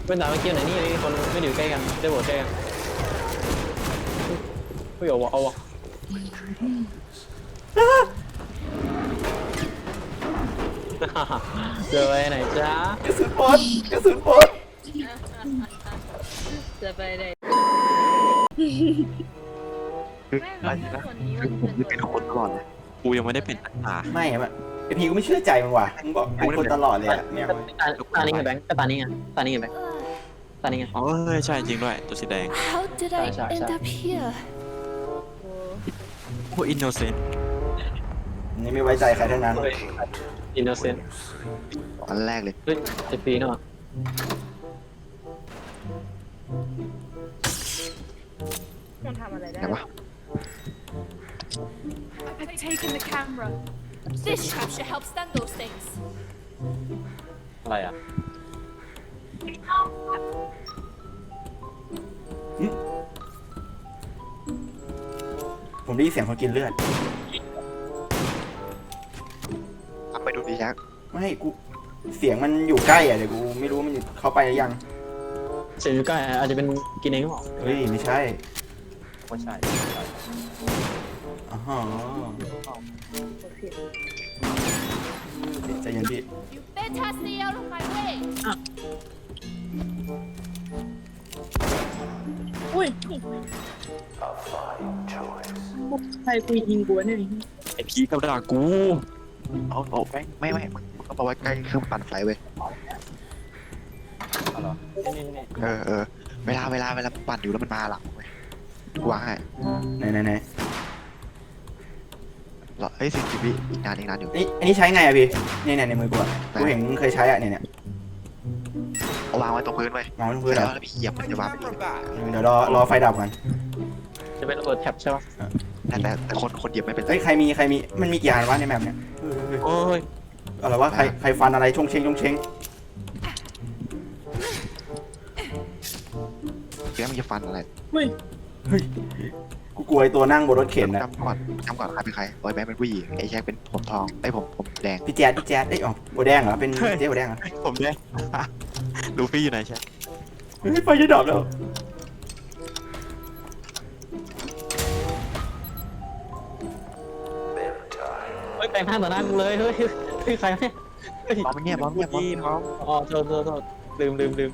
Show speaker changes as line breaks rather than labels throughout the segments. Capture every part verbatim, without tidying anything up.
เป็นด่าเมื่อกี้ไหนนี่นี่คนไม่อยู่ใกล้กันได้บทใกล้กันไม่เอาวะเอาวะเจอไปไหนจ้ากระสุนปนกระสุนปน
จะไปไหน
ไม่คนนี้มันเป็นคนตลอดเลยกูยังไม่ได้เป็นตา
ไม่อะไอพีกูไม่เชื่อใจมึงว่ะมึงบอกเป็นคนตลอดเลยอะเนี่ย
ตานี้ไงแบงค์ก็ตานี้ไงตานี้ไงแบงค์ตานี้ไง
อ๋อใช่จริงด้วยตัวสีแดง
How did I end up here?
พวกอินโนเซนต์
นี่ไม่ไว้ใจใครทั้งนั้น
อินโนเซนต์
อันแรกเลย
เฮ้ยเจ็ดปีเนาะ
มันทำอะไรได้
ไหนวะ
I've taken the camera. This trap should help stun those things.
อะไรอ่ะ
ผมได้ยินเสียงคนกินเลือด
เอาไปดูดิยักษ์
ไม่กูเสียงมันอยู่ใกล้อ่ะเดี๋ยวกูไม่รู้มันอยู่เข้าไปหรือยัง
เสียงอยู่ใกล้อาจจะเป็นกินเองหรือเปล่า
เฮ้ยไม่ใช่
ไม่ใช่
อ๋อฮะใจเย็นพี่
You better stay out of my way.
อุ้ยใครกูยิงกูเนี่ย
ไอพีกับด่ากูเอาเอาไม่ไม่ไม่มึงก็บอกว่าใกล้เครื่องปั่นไฟเว้ย
เอาเหรอนี่นี่นี่
เออเออเวลาเวลาเวลาปั่นอยู่แล้วมันมาหลังเว้ยกูวางให้
ไหนไหนไหน
เหรอเฮ้ยสิบวิอีกนานอีกนานอยู่
นี่อันนี้ใช้ไงอ่ะพี่เนี่ยเนี่ยในมือกูอ่ะกูเห็นมึงเคยใช้อ่ะเนี่ยเนี่ย
เอาวางไว้ตรงพื้นเว้ย
มองบนพื้นเหร
แล้
อ
วพี่เหยียบมันจะวาง
เดี๋ยวรอรอไฟดับก่อน
จะเป็นระเบิดแท็บใช่ปะ
แต่แต่แต่คนคนเหยียบไม่เป็นไร
เฮ้ยใครมีใครมีมันมีกี่อันวะในแมปเนี่ยเฮ้ยเฮ้ย
โอ้ย
อะไรวะใครใครฟันอะไรชงเชงชงเชง
แกมันจะฟันอะไร
กูกลัวไอ้ตัวนั่งบนรถเข็นนะ
จำก่อนจำก่อนใครเป็นใครบอยแบงค์เป็นผู้หญิงไอ้แจ็คเป็นผมทองไอ้ผมผมแดง
พี่แจ๊ดพี่แจ๊ดเอ้ยอ๋อโบแดงเหรอเป็นเจ๊โบแดงเหรอ
ผมแดง ลูฟี่อยู่ไหนแจ็ค
เฮ้ยไฟจะดับแล้ว
เฮ้ยแปลงท่าต่อหน้ากูเลยเฮ้ยเฮ้ยใครเนี่ยเฮ้ย
บอมเงียบบอมเงียบบอมเงียบ
อ๋อโทษโทษโทษลืมลืมลืม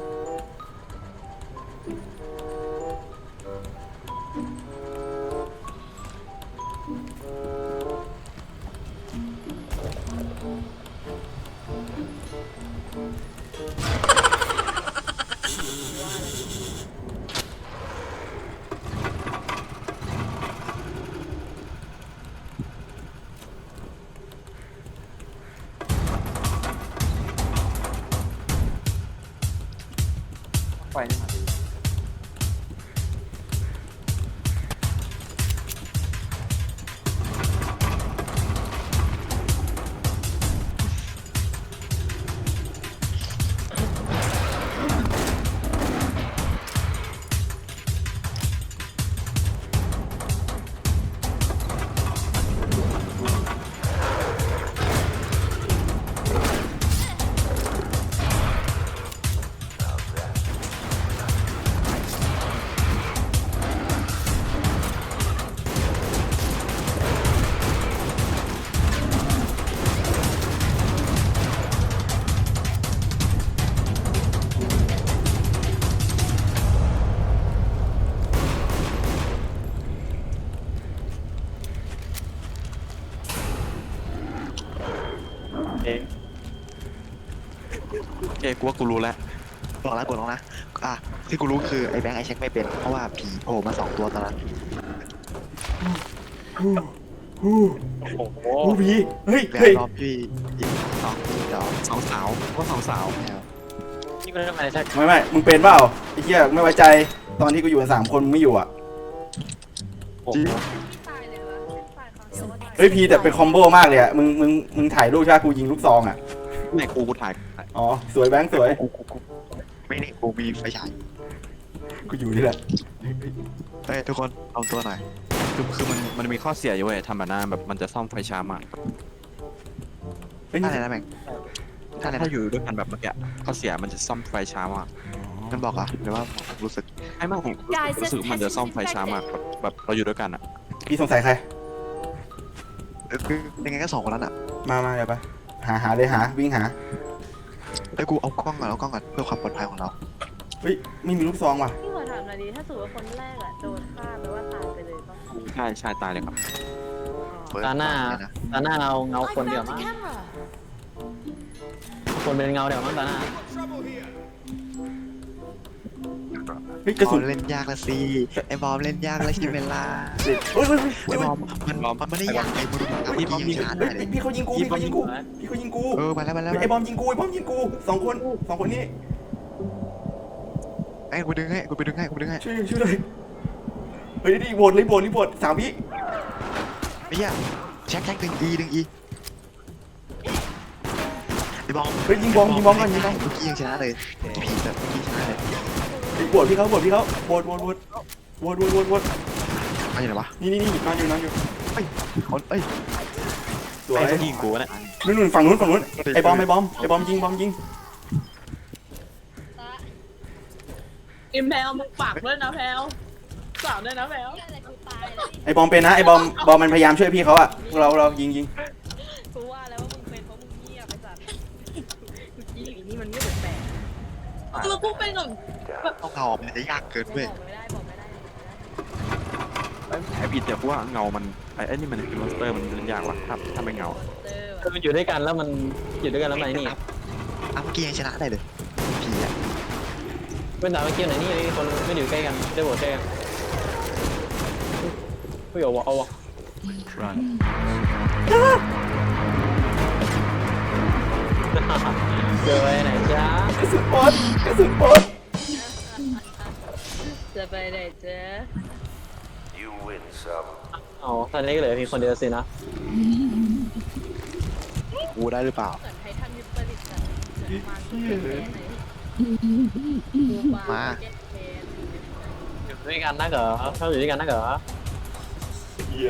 ไฟนี่มา เอง
โอเคกูว่ากูรู้แล้วบอกแล้วกดลงนะอ่ะที่กูรู้คือไอ้แบงค์ไอ้เช็คไม่เป็นเพราะว่าผีโผล่มาสองตัวตอนนั้น
ฮู้ฮู้
โอ้โห
ฮู้พี่เฮ้ย
แล้ว
เฮ้ย
รอบพี่อีกสองเดี๋ยวสองสาวก็สองสาวแล้ว
นี่ก็ได้มาใช่
ไม่ไม่มึงเป็นเปล่าไอ้เหี้ยไม่ไว้ใจตอนที่กูอยู่กันสามคนมึงไม่อยู่อ่ะ
จริง
ตายเลยวะตายครั้งเดียวว่าตาย
เฮ้ยพีแต่เป็นคอมโบมากเลยอ่ะมึงมึงมึงถ่ายรูปใช่ไหมกูยิงลูกซองอ่ะ
ไหนกูกูถ่าย
อ๋อสวยแบงค์สวย
กูกูกูไม่นี่กูมีไฟฉาย
กูอยู่นี่แหละ
เฮ้ยทุกคนเอาตัวหน่อย
คือคือมันมันมีข้อเสียอยู่เว้ยทำแบบนั้นแบบมันจะซ่อมไฟช้ามาก
เฮ้ย
อะไรนะแบงค์
ไฟ
นั่นแหละ
ถ้าอยู่ด้วยกันแบบเมื่อกี้ข้อเสียมันจะซ่อมไฟช้ามาก
มันบอกเหรอหรือว่าผมรู้สึก
ไอ้มากผมรู้สึกมันจะซ่อมไฟช้ามากแบบแบบเราอยู่ด้วยกันอ่ะ
พี่สงสัยใคร
เออคือยังไงก็สองคนนั้นอ่ะ
มามาเดี๋ยวไปหาหาเลยหาวิ่งหา
เอ้ยกูเอากล้องก่อนเอากล้องก่อนเพื่อความปลอดภัยของเรา
เฮ้ยไม่มีลูกซองว่ะ
พี่ขอถามหน่อยดิถ้าสมมติว่าคนแรกอะโดนฆ่าแปลว่าตายไปเลยป่ะ
ใช่ใช่ตายเลยครับ
เปิด
ตาหน้า
เลยนะ
ตาหน้าเราเงา
I
คนเดียว
found
มั้
the
ง
camera.
คนเป็นเงาเดียวมั้งตาหน้า
เฮ้ยกระ
บ
สุ
อน มเล่นยากละสิไอ้บอมเล่นยากแล้วใช่ไหมล่ะ
เฮ้ยเฮ้ยเฮ้ย
ไอ้บอมมันมันมันไม่ได้ยากไอ้มึงเอาเมื่อกี้ยังชาร์จได้เลย
พี่เขายิงกูพี่เขายิงกูพี่เขายิงกู
เออมาแล้วมาแล้ว
ไอ้บอมยิงกูไอ้บอมยิงกูสองคนสองคนนี้
ไอ้กูดึงให้กูไปดึงให้กูไปดึงให้
ช่วยช่วยเลยเฮ้ยดิโหวตเลยโหวตรีโหวตสามวิ
ไอ้เหี้ยแช็คแช็คดึงอีดึงอีไอ้บอม
เฮ้ยยิงบอมยิงบอมก่อนยิงบอม
เมื่อกี้ยังชนะเลยผีแบบเมื่อกี้ชนะเลย
ไอ้โหวตพี่เขาโหวตพี่เขาโหวตโหวตโหวตโหวตโหวตโหวตโหวต
มาอยู่ไหนวะ
นี่นี่นี่นอนอยู่นอนอยู่
คนเอ้ย
สวย
ไอ้เขายิงกูเนี่ย
นู่นนู่นฝั่งนู้นฝั่งนู้นไอ้บอมไอ้บอมไอ้บอมยิงบอมยิง
อิมแพลมึงฝากด้วยนะแพลฝากด้วยนะแพล
อะไรกูตายแล้วนี่
ไอ้บอมเป็นนะไอ้บอมบอมมันพยายามช่วยพี่เขาอะพวกเราเรายิงยิง
กูว่าแล้วว่ามึงเป็นเพราะมึงเงียบไปสัตว์กูจี้อีนี่มันเงียบแปลกๆแล้วกูเป็นแบบ
ต้องเอาออกมันจะยากเกินเว้ย
บอกไม่ได้บอกไม่ได้บอกไม่ได้
ไอ้ไอ้ผิดแต่กูว่าเงามันไอ้ไอ้นี่มันเป็นมอนสเตอร์มันเล่นยากว่ะถ้าถ้าไม่เงา
เตอร์
คือมันอยู่ด้วยกันแล้วมันอยู่ด้วยกันแล้วมันไอ้นี่
เอาเมื่อกี้ยังชนะได้เลยผีอะ
เป็นดาวเกียวไหนนี่คนไม่อยู่ใกล้กันได้โหวตใกล้กันไม่เอาวะเอาวะเจอไปไหนจ้าก
ระสุนปนกระสุนปน
จะไปไหนเจ๊
อ๋อตอนนี้ก็เหลือเพียงคนเดียวสินะ
กูได้หรือเปล่า
เหมือนไททันยึดประดิษฐ์กันเหมือนมาที่แค่ไหนกูมาแก้แค้น
อยู่ด้วยกันนะเหรอเขาอยู่ด้วยกันนะเหรอ
เหี้ย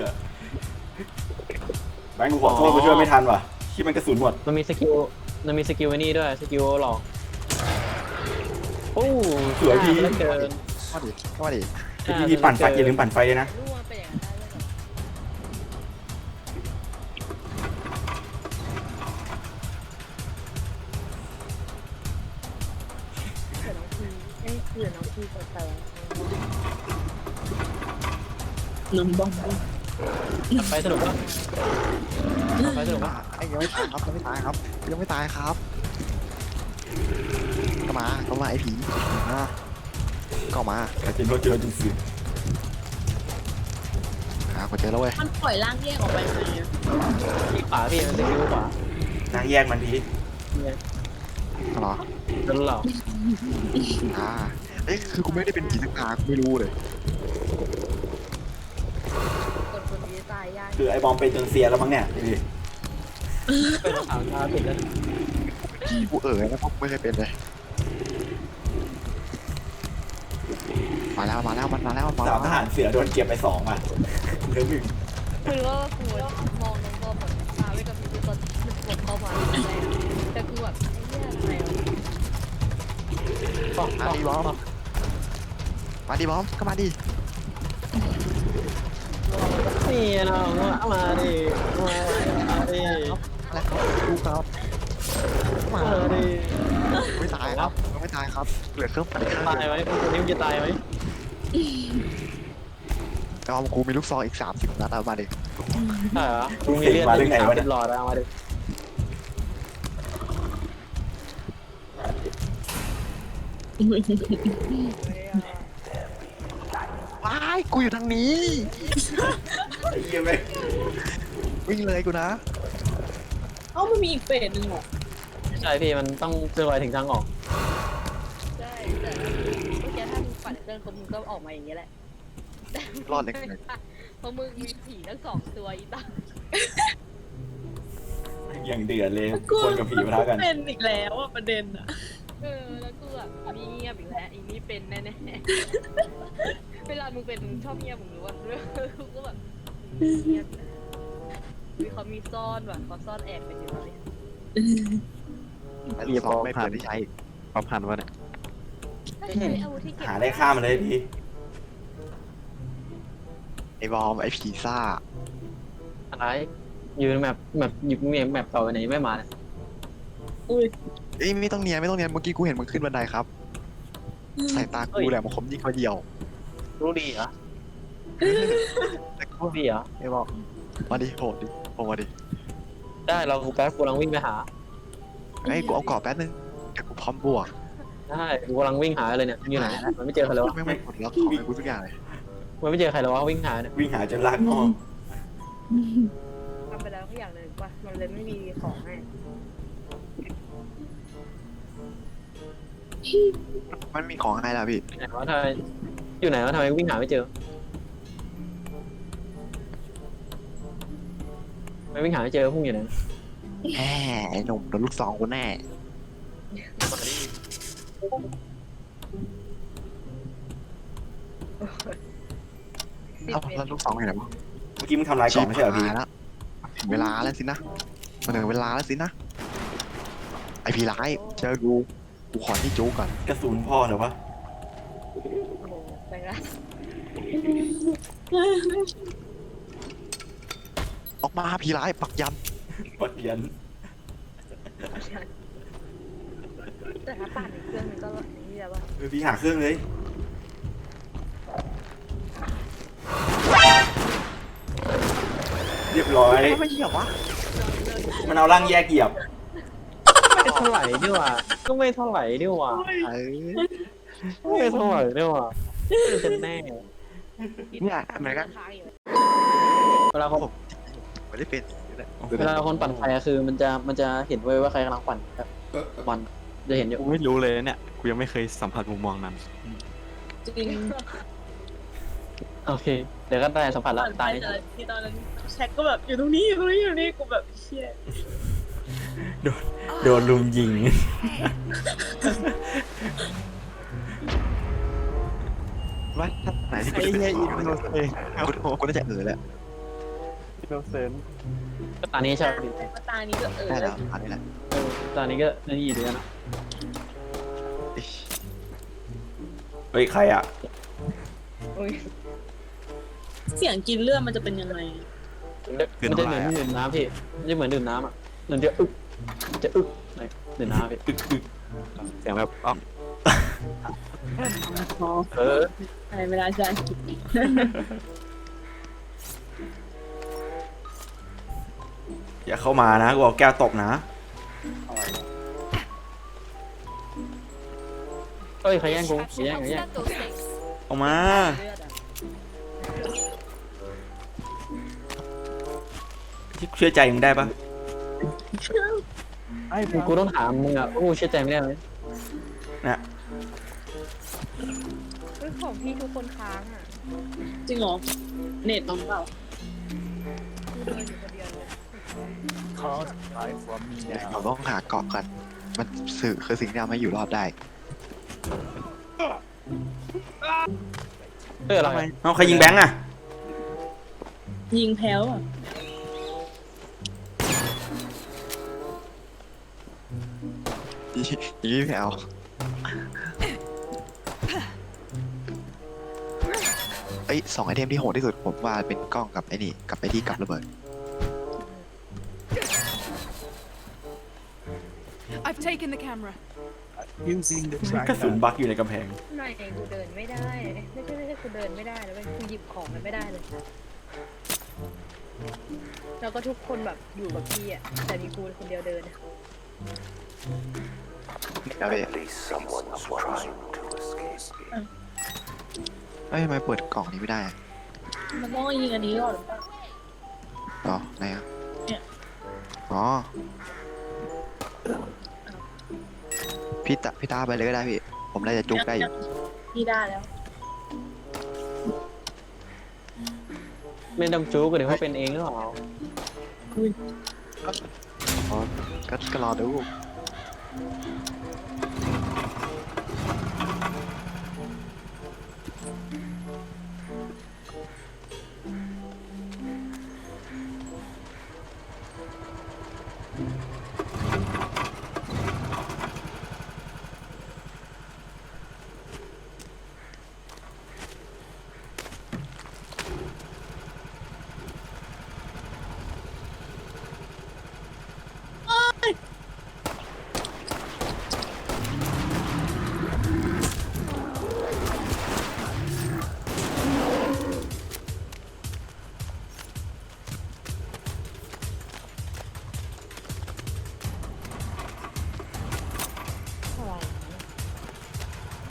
แบงค์กูขอโทษกูช่วยไม่ทันว่ะที่มันกระสุนหมด
มันมีสกิลมันมีสกิลไอ้นี่ด้วยสกิลหลอกโอ้เกิน
ว่าดิว่าดิ
พี่พี่ปั่นไฟอย่าลืมปั่นไฟเลยนะ
รู้ว่าเป็นอย่างนั้นได้เลยแบบเผื่อน้องพีเอ้ยเผื่อน้องพีจะเติมน้องบอม
ไปสนุกปะไปสนุกปะ
ไอ้ยังไม่ตายครับยังไม่ตายครับยังไม่ตายครับก็มาก็มาไอ้ผีมาก็มา
แต่จริงก็เจอจริงสิ
หาคนเจอแล้วเว้ย
มันปล่อยร่างแยกออกไปไหม
ที่ขวาพี่มันสกิลขวาน
างแยกมันที
เหรอ
โดนหลอก
อ่าเอ้ยคือกูไม่ได้เป็นผีสักตากูไม่รู้เลย
คนคนนี้ตายยาก
คือไอ้บอมเป็นจนเซียแล้วมั้งเนี่ยดูดิ
เป็นสามตาติดแล้ว
กูเอ๋ยนะพวกไม่เคยเป็นเลยมาแล้วมาแล้วมันมาแล้วมันมา
สามทหารเสือโดนเก็บไปสองอ่ะเหลือหนึ่ง
คือว่ากูมองน้องบอมแบบตาไว้กับพี่ตอนมันกดเข้ามาแต่กูแบบไอ้เหี้ยอะไรวะ
มาดิบอมมาดิบอมก็มาดิ
นี่น้องมาดิมาดิ
อะไรครับดูครับมา
มาดิ
ไม่ตายครับไม่ตายครับเหลือเครื่องปั่นข้าง
ตายไหมคนนี้มันจะตายไหม
แต่ว่ากูมีลูกซองอีกสามสิบนัดเอามาดิ
ใช่เหรอมึงมีเลือดติดหลอดเอามาดิ
ว้ายกูอยู่ทางนี้
ไอ้เหี้ยแม่ง
วิ่งเลยกูนะ
เอ้ามันมีอีกเฟสหนึ่งเหรอ
ใช่พี่มันต้องเจอไปถึงทางออก
ใช่แต่เมื่อกี้ถ้ามึงปั่นเครื่องมึงก็ออกมาอย่างนี้แหละ
รอดเลย
เพราะมึงมีผีทั้งสองตัวอีตา
อย่างเดือดเลยคนกับผีปะทะกัน
เป็นอีกแล้วอ่ะประเด็นอ่ะเออแล้วกูแบบมีเงียบอีกแล้วอีนี่เป็นแน่ๆเวลามึงเป็นมึงชอบเงียบมึงรู้ว่าเรื่องกูก็แบบเงียบมีเขามีซ่อนว่ะเขาซ่อนแอบกันอยู่เลย
ไอ้ลูกซองไม่เปิดที่ใช้
ความพันวะเนี่ย
ก็ใช้อาวุธที่เก็บ
หาได้ฆ่ามันเลยพี่
ไอ้บอมไอ้ผีซ่า
อะไรยืนแบบแบบหยิบเมียแบบต่อไปไหนไม่มาเนี่ย
เอ้ยไม่ต้องเนียนไม่ต้องเนียนเมื่อกี้กูเห็นมึงขึ้นบันไดครับสายตากูแหละมันคมยิ่งกว่าเดียว
รู้ดีเหรอ
แต่กู
รู้ดีเหรอ
ไอ้บอมมาดิโหดดิโหดมาดิ
ได้เรากูแป๊บกูกำลังวิ่งไปหา
ไอ้ยกูเอากรอบแป๊บนึงแต่กูพร้อมบวก
ได้กูกำลังวิ่งหาเลยเนี่ยอยู่ไหนมันไม่เจอใครแล้ววะ
ไม่ไม่กดล็อกของให้กูทุกอย่างเลย
มันไม่เจอใครแล้ววะวิ่งหาเนี่ย
วิ่งหาจนลากงอ
ทำไปแล้วก็อย่างเลยว่ามันเลยไม่มีของให้
มันมีของให้แล้วพี่
ไหนวะทำไมอยู่ไหนวะทำไมวิ่งหาไม่เจอไม่วิ่งหาไม่เจอพุ่งอยู่ไหน
แหมไอ้หนุ่มโดนลูกซองกูแน่
สิบ
แล้ว
เอ็ด
แล้วลูกซองอยู่ไหนวะ
เมื่อกี้มึงทำลายกล่องไม่ใช่เหรอพี่
ชิบหายแล้วถึงเวลาแล้วสินะมันถึงเวลาแล้วสินะไอพี่ร้ายเจอกูกูขอที่จูก่อน
กระสุนพ่อเหรอวะ
โอ้โหไปละ
ออกมาพี่ร้ายปักยัน
ปักยัน
แต่ถ้าปั่นอีกเครื่องหนึงก็นี่แหละว่า
เออพี่หาเครื่องเลย เรียบร้อย
ไม่เหยียบวะ
มันเอาร่างแยกเหยียบ
ไม่เท่าไหร่ดีกว่าก็ไม่เท่าไหร่ดีกว่า
เอ้ย
ไม่เท่าไหร่ดีกว่าไม่จะแน่
เนี่ยเหมือนกัน
ค้างอยู่
เวลาเขา
ไม่ได้เป็น
เวลาคนปั่นไฟอะคือมันจะมันจะเห็นไว้ว่าใครกำลังปั่นครับมันจะเห็นอยู่
กูไม่รู้เลยเนี่ยกูยังไม่เคยสัมผัสมุมมองนั้น
จริง
โอเค เดี๋ยวก็ได้สัมผัสแล้ว
ตา
ตาย ย
แต่ที่ตอนนั้นแช็กก็แบบอยู่ตรงนี้อยู่ตรงนี้อยู่ตรงนี้กูแบบเชี่ย
โดนลุมยิง
ว่าถ้าไหนที่กูจะเป็นสีกูกูกูน่าจะเออแหละ
อินโนเซนต์
ก็ตานี้ใช่ไหม
มาตานี้ก็เออ
ได้แล้วอันนี้แหละ
เออตานี้ก็นี่ดีนะ
อิ๊ย
เฮ้ย ใครอ่ะ
โอ้ย
เสียงกินเลือดมันจะเป็นยังไง
มันจะเหมือนดื่มน้ำพี่มันจะเหมือนดื่มน้ำอ่ะมันจะอึกจะอึกไหนดื่มน้ำพี่
อึกอึก
เสียงแบบอ๋อ
เออ
อะไรไม่ได้ใช่
อย่าเข้ามานะกูเอาแก้วตกนะ
เอ้ยใครแย่งกู
This
ใคร
trap
แย่ง
should
ใคร
help
แย่ง
stand those things.
เอามา
เลือดอ่ะ
เชื่อใจมึงได้ปะ
ไอ้กูกูต้องถามมึงอ่ะโอ้เชื่อใจไม่ได้เลย
นะ
เฮ้ยของพี่ทุกคนค้างอ่ะ
จริงเหรอเน็ตเอาเปล่า
กูเดินอยู่คนเดียวเลย
เราต้องหาเกาะก่อนมันสื่อคือสิ่งที่ทำให้อยู่รอดได้
เอออะไร
เอาใครยิงแบงค์อ่ะ
ยิงแพ้วอ่ะ
ยี่ยี่แถวเอ้ยสองไอเทมที่โหดที่สุดผมว่าเป็นกล้องกับไอ้นี่กับไอ้ที่กลับระเบิด
I've taken the camera.
กระสุนบักอยู่ในกำแพง
ไม่กูเดินไม่ได้ ไม่ใช่ไม่ใช่กูเดินไม่ได้เลยเว้ยกูหยิบของมันไม่ได้เลย แล้วก็ทุกคนแบบอยู่กับพี่อ่ะ แต่มีกูคนเดียวเดินอะ
ครับพี่เอ้ยทำไมเปิดกล่องนี้ไม่ได้อะ
มันต้องยิงอันนี้ก่อนหรือเปล่า
อ๋อไหนอ่ะ
เนี่ย
อ๋อพี่ตาพี่ตาไปเลยก็ได้พี่ ผมน่าจะจุกได้อยู่
พี่ได้แล้ว
ไม่ต้องจู๊กเดี๋ยวเขาเป็นเองหรือเปล่า
อ๋อก็ก็รอดู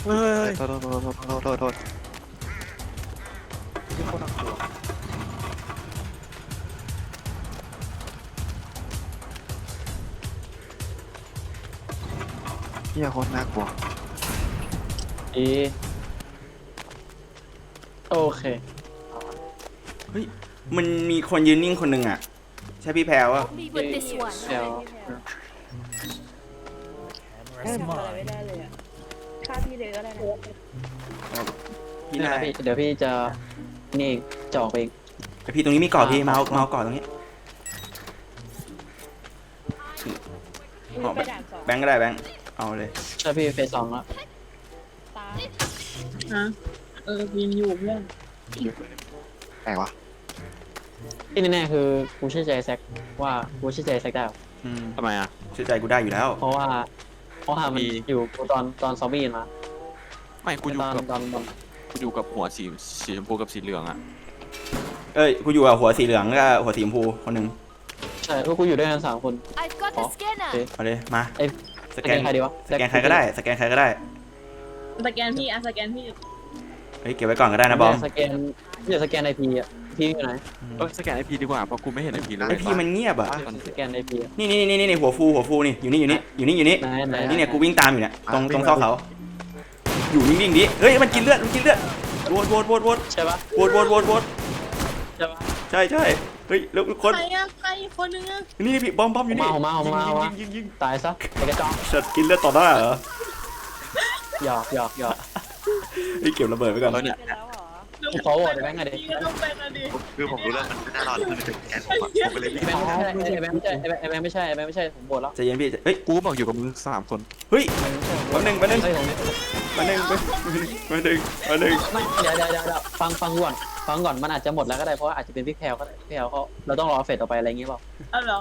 เฮ้ย
โทษโทษโทษโทษโทษโทษโทษ
ที่โคตรน่ากลัว
เฮียโคตรน่ากลัว
ดีโอเค
เฮ้ยมันมีคนยืนนิ่งคนหนึ่งอ่ะใช่พี่แพรวะ
Help me with this one.
เดี๋ยว
ทำอะไรไม่ได้เลยอ่ะฆ่าพี่เลยก็ได้นะ
พี่
นี่
นา
นะ
ย
พี่เดี๋ยวพี่จะนี่จะออกไปอีก
ไอพี่ตรงนี้มีเกาะพี่เมาส์เมาส์เกาะตรงนี้
มึงไปด่านสอง
แบงค์ก็ได้แบงค์เอาเลย
ใช่พี่เฟสสองแล้ว
ตา
ฮะเออวินอยู่เพื่อน
แปลกวะ
ที่แน่ๆคือกูเชื่อใจแซกว่ากูเชื่อใจแซกได้หรอ
อืม
ทำไมอ่ะ
เชื่อใจกูได้อยู่แล้ว
เพราะว่าเพราะว่ามัน
มี
อยู่กูตอนตอนซอมบี้มา
ไม่กูอยู่
ตอน
กับ
ตอนตอน
กูอยู่กับหัวสีสีชมพูกับสีเหลืองอ่ะ
เอ้ยกูอยู่กับหัวสีเหลืองกับหัวสีชมพูคนหนึ่ง
ใช่พวกกูอยู่ด้วยกันสามคน
I've got the
Oh,
scanner.
okay.
เอาเลยมา
เอ้ย
สแกน
ใครดีวะ
สแกนใครก็ได้สแกนใครก็ได้
สแกนพี่อ่ะสแกนพี่
เฮ้ยเก็บไว้ก่อนก็ได้นะบอม
สแกนอย่าสแกนไอพีอ่ะพี่อยู่ไหน
เออสแกนไอพีดีกว่าเพราะกูไม่เห็นไอพีเลย
ไอพี่มันเงียบอ่ะ
สแกนไอพีอ่ะ
นี่นี่นี่นี่หัวฟูหัวฟูนี่อยู่นี่อยู่นี่อยู่นี่อยู่นี่
ไหนไหน
นี่เนี่ยกูวิ่งตามอยู่เนี่ยตรงตรงซอกเขาอยู่นิ่งๆดิเฮ้ยมันกินเลือดมันกินเลือดโวดโวดโวดโวด
ใช่ปะ
โวดโวดโวดโวด
ใช่ปะ
ใช่ใช่เฮ้ยแล้วคน
ใครอ่ะใครอีกคนนึงอ่ะ
นี่พี่บอมบอมอยู่นี่
เอามาเอามาเอามา
ยิงยิงยิงยิง
ตายซะไอกระจอก
สัตว์กินเลือดต่อหน้าเหรอ
หยอกหยอกหยอก
เฮ้ยเก็บระเบิดไว้ก่อน
เออเนี่ย
ไปแล้วเหรอ
กูขอโหวตไอ้แบงค์หน่อยดิ
พี่ก็ต้องเป็นอ่ะดิ
คือผมรู้แล้วมันไม่น่ารอดมันเป็นแอนผมอะผมก็เลย
ไอ้แบงค์ไม่ใช่ไอ้แบงค์ไม่ใช่ไอ้แบงค์ไม่ใช่ไอ้แบงค์ไม่ใช่ผมโหวตแล้ว
ใจเย็นพี่เฮ้ย
กูบอกอยู่กับมึงสามคน
เฮ้ย
ไอ้แบงค์ไม่ใช่
แป๊บนึงแป๊บนึง
เฮ้ยผม
มาหนึ่งมาหนึ่งมาหนึ่ง
ไม่เดี๋ยวเดี๋ยวเดี๋ยวเดี๋ยวฟังฟังก่อนฟังก่อนมันอาจจะหมดแล้วก็ได้เพราะว่าอาจจะเป็นพี่แพลวก็ได้พี่แพลวเขาเราต้องรอเฟสต่อไปอะไรอย่างเงี้ยเปล่า
เอาเหรอ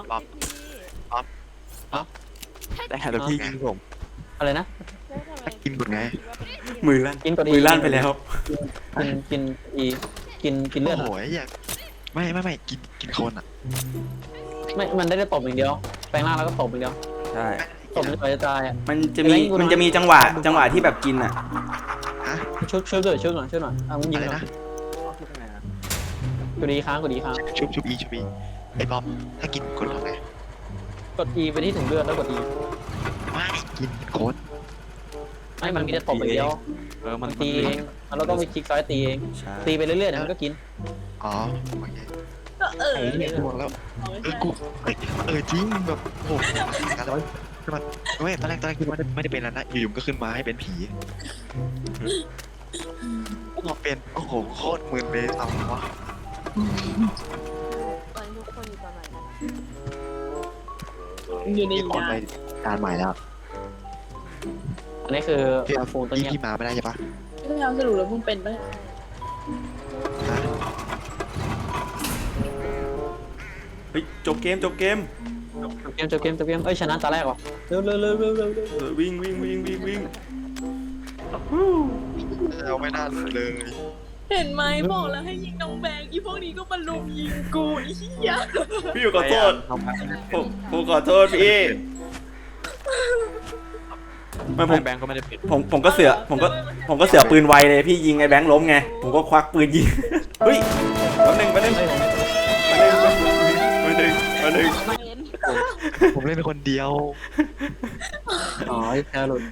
แต่แล้วพี่ยิงผม
อะไรนะ
แล้วทำไม
กินก่อนไง
มือลั่น
กินกด
มือลั่นไปแล้ว
กินกินอีกินกินเลือด
โอ้
อะ
โหอยากไม่ไม่ไม่กินกินคนอ่ะ
ไม่ มันได้แต่ตบอย่างเดียว แปลงร่างแล้วก็ตบอย่างเดียว
ใช่
ตบจนกว่าจะตายอ่ะ
มันจะมีมันจะมีจังหวะจังหวะที่แบบกินอ่ะ
ชุบชุบด้วยชุบหน่อยชุบหน่อยอ่ะมึงยิง
อะไร
หน่อย
นะ
กดดีค้างกดดีค้าง
ชุบชุบอีชุบอีไอ้บอมถ้ากินคนทำไง
กด E ไปที่ถุงเลือดแล้วกด E
ไม่กินโคน
ไม่มันมีแต่ตบอย่างเดียว
เออมัน
ตีเองมันเราต้องไปคลิกซ้ายตีเอง
ใช่
ตีไปเรื่อยๆเดี๋ยวมันก็กิน
อ๋อโอเค
ก็เออ
ไอ้เนี่ย
กูบอกแล้ว
เอาไม่
เออ
ใช่
กูเอ้ยเออจริงแบบโอ้โหอะไรวะคือมันไม่ตอนแรกตอนแรกคือไม่ได้ไม่ได้เป็นแล้วนะอยู่ๆก็ขึ้นมาให้เป็นผีมาเป็นโอ้โหโคตรมึนเลยเอาวะ
ตอนนี้ทุกคนอยู่ตอนไหนกัน
อยู่ใน
มีคน
ยา
ไปการใหม่แล้ว
อันนี้คือ
พี่
ฟูนตัว
พี่
เนี้ย
พี่มาไม่ได้ใช่ปะ
ไม่เอาสรุปแล้วมึงเป็นปะ
ฮะ
เฮ้ยจบเกมจบเกม
จบเกมจบเกมจบเกมเอ้ยชนะตาแรกว่ะเร็วเร็วเร็วเร็วเร็วเร็ว
เออวิ่งวิ่งวิ่งวิ่งวิ่ง
เราไม่น่าเลย
เห็นไหมบอกแล้วให้ยิงน้องแบงค์อีพวกนี้ก็มาลุมยิงกูไอ้เหี้ย
พี่ขอโทษ
เอาไป
ผมผมขอโทษพี่ไม่ผม
แบงก์ก็ไม่ได้ปิด
ผมผมก็เสือผมก็ผมก็เสือปืนไวเลยพี่ยิงไอ้แบงค์ล้มไงผมก็ควักปืนยิงเฮ้ยแป๊บนึงแป๊บนึง
เฮ้ยผมไม่
แป๊บนึงแป๊บนึงแป๊บนึง
เป็น
ผมเล่นคนเดียว
อ๋อแค่หลุด